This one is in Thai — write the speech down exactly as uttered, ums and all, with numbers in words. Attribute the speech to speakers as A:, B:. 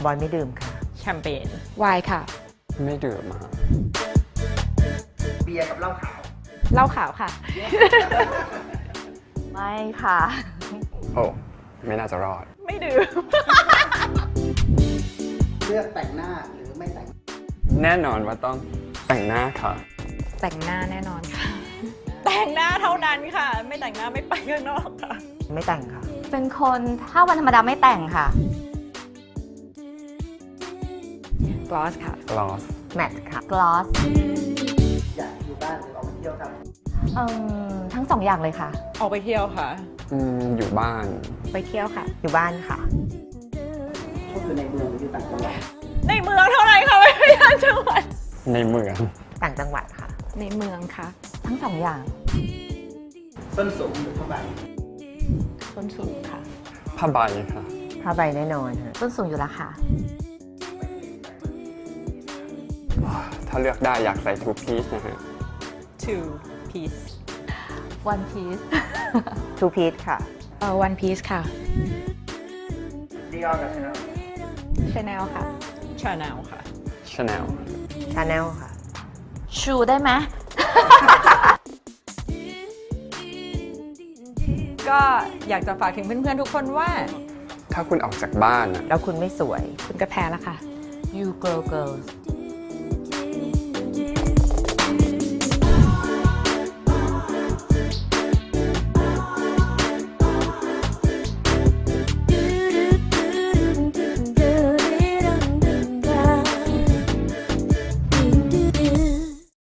A: บอยไม่ดื่มค่ะ
B: แชมเปญ
C: ไวน์ค่ะ
D: ไม่ดื่มมา
E: เบียร์กับเหล้าขาว
C: เหล้าขาวค่ะ
A: ไม่ค่ะ
D: โอ้ไม่น่าจะรอด
B: ไม่ดื่ม
E: เลือกแต่งหน้าหรือไม่แต่ง
D: แน่นอนว่าต้องแต่งหน้าค่ะ
C: แต่งหน้าแน่นอนค่ะ
B: แต่งหน้าเท่านั้นค่ะ ไม่แต่งหน้าไม่ไปข้างนอกค่ะ
A: ไม่แต่งค่ะ
F: เป็นคนถ้าวันธรรมดาไม่แต่งค่ะ
C: gloss ค่ะ
D: gloss
A: แมทค่ะ
F: gloss
E: อยากอยู่บ้านหรือออกไปเที่ยวครับ
F: เอิ่มทั้งสองอย่างเลยค่ะ
B: ออกไปเที่ยวค่ะ
D: อืมอยู่บ้าน
C: ไปเที่ยวค่ะ
A: อยู่บ้านค่ะ
E: ชอบอยู่ในเมืองหรืออยู่ต่างจังหวัด
B: ในเมืองเท่านั้นค่ะไม่ไปต่างจังหวัด
D: ในเมือง
A: ต่างจังหวัดค่ะ
C: ในเมืองค่ะ
F: ทั้งสองอย่าง
E: ส้นสูงหรือผ้าใบ
C: ส้นสูงค่ะ
D: ผ้าใบค่ะ
A: ผ้าใบแน่นอนค่ะ
F: ต้นสูงอยู่แล้วค่ะ
D: ถ้าเลือกได้อยากใส่ two piece นะฮะ
B: two piece
F: one piece
A: two piece ค่ะ
C: เอ่อ one piece ค่ะ
E: ดีออกับชาแนล
C: chanel ค่ะ
B: Chanel ค่ะ
D: Chanel
A: Chanel ค่ะ
F: shoe ได้ไหม
B: ก็อยากจะฝากถึงเพื่อนๆทุกคนว่า
D: ถ้าคุณออกจากบ้านอะ
A: แล้วคุณไม่สวย
C: คุณก็แพ้แล้วค่ะ
F: you girl girls